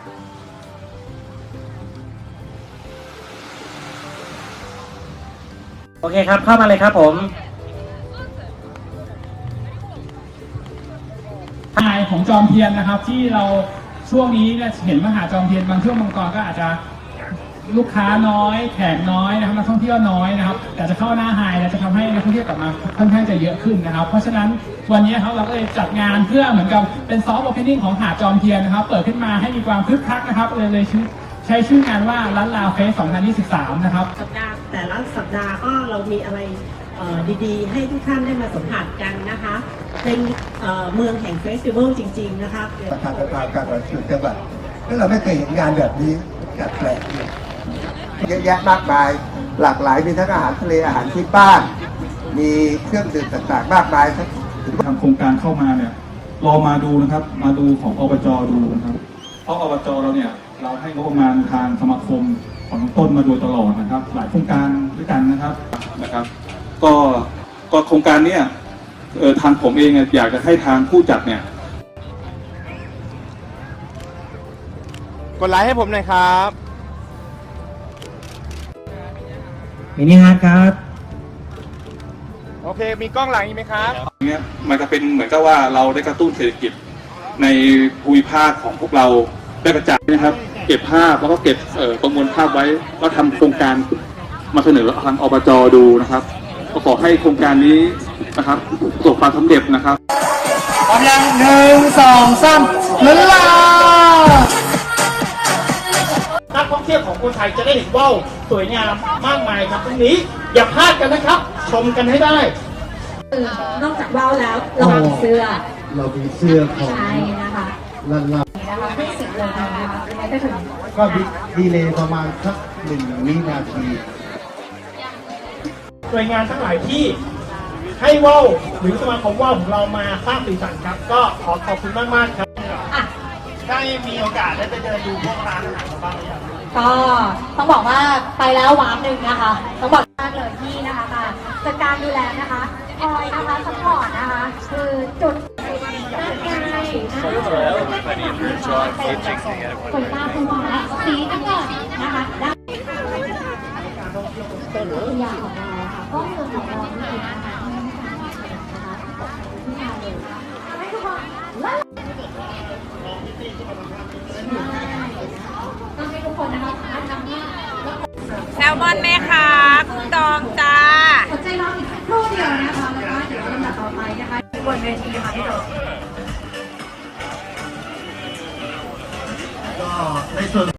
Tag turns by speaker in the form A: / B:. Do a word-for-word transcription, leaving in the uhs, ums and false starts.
A: โอเคครับเข้ามาเลยครับผม
B: ทายของจอมเทียนนะครับที่เราช่วงนี้เนี่ยเห็นมหาจอมเทียนบางช่วงบางตอนก็อาจจะลูกค้าน้อยแขกน้อยนะครับนักท่องเที่ยวน้อยนะครับแต่จะเข้าหน้าไฮแล้วจะทำให้นักท่องเที่ยวกลับมาค่อนข้างจะเยอะขึ้นนะครับเพราะฉะนั้นวันนี้ครับเราก็เลยจัดงานเพื่อเหมือนกับเป็นซอฟต์โอเพนนิ่งของหาดจอมเทียนนะครับเปิดขึ้นมาให้มีความคึกคักนะครับเลยเลยชื่อใช้ชื่องานว่าล้านลาวเฟสสองพันยี่สิบสามนะครับ
C: สัปดาห์แต่ละสัปดาห์ก็เรามีอะไรดีๆให้ทุกท่านได้มาสัมผัสกันนะคะเป็นเมืองแห่งเฟสติวัลจริงๆนะคะ
D: ประธานประธานการประชุมจังหวัดแล้วเราไม่เคยเห็นงานแบบนี้แปลกๆเลยเยอะแยะมากมายหลากหลายมีทั้งอาหารทะเลอาหารที่บ้านมีเครื่องดื่มต่างๆมากมาย
E: ทางโครงการเข้ามาเนี่ยรอมาดูนะครับมาดูของอบจ.ดูนะครับเพราะอบจ.เราเนี่ยเราให้งบประมาณทางสมาคมของต้นมาโดยตลอดนะครับหลายโครงการด้วยกันนะครับนะครับก็ก็โครงการเนี้ยเออทางผมเองอยากจะให้ทางผู้จัดเนี่ย
F: กดไลค์ให้ผมหน่อยครับ
A: มินิฮาร์ดครับ
F: โอเคมีกล้องหลังอีกไหมครับ
E: เนี้ยมันจะเป็นเหมือนกับว่าเราได้กระตุ้นเศรษฐกิจในภูมิภาคของพวกเราได้กระจายนะครับเก็บภาพแล้วก็เก็บประมวลภาพไว้แล้วทำโครงการมาเสนอทางอบจ.ดูนะครับก็ขอให้โครงการนี้นะครับประสบความสำเร็จนะครับ
A: พร้อมยังหนึ่งสองสามล้านลาว
B: นักท่องเที่ยวของคนไทยจะได้เห็นว่าวสวยงามมากมายครับตรงนี้อย่าพลาดกันนะครับชมกันให้ได้
C: นอกจากว่าวแล้วเรามีเสื้อ
D: เรามีเสื้อของ
C: ใช่นะคะ
D: ลันลา
C: นะคะไม่สิบเลยนะคะไม่ได้ถึง
D: ก็ดีเลย์ประมาณสักหนึ่งวินาที
B: หน่วยงานทั้งหลายที่ให้ว่าวหรือสมาคมว่าวของเรามาสร้างสีสันครับก็ขอขอบคุณมากมากครับได้มีโอกาสได้ไปเดินดูพวกร้านอาหารบ้างหรือยัง
G: ก็ต้องบอกว่าไปแล้ววาร์ปหนึ่งนะคะต้องบอกมากเลยที่นะคะมาจัดการดูแลนะคะคอยนะคะซัพพอร์ตนะคะคือจุดนั่นไงคนตาคุณหมอสีน้ำเงินนะคะได้ตัวอย่างของเราค่ะก็เมืองของเราจริงๆนะคะที่มาเลยให้ทุกคนต้องให้ทุกคนนะคะสามารถทำได้
H: แซลมอนไหมคะกุ้งดองจ้า
G: สนใจรออีกสักครู่เดียวนะคะแล้วก็เดี๋ยวลำดับต่อไปนะคะบนเวทีค่ะพี่โด
D: ก็ในส่วน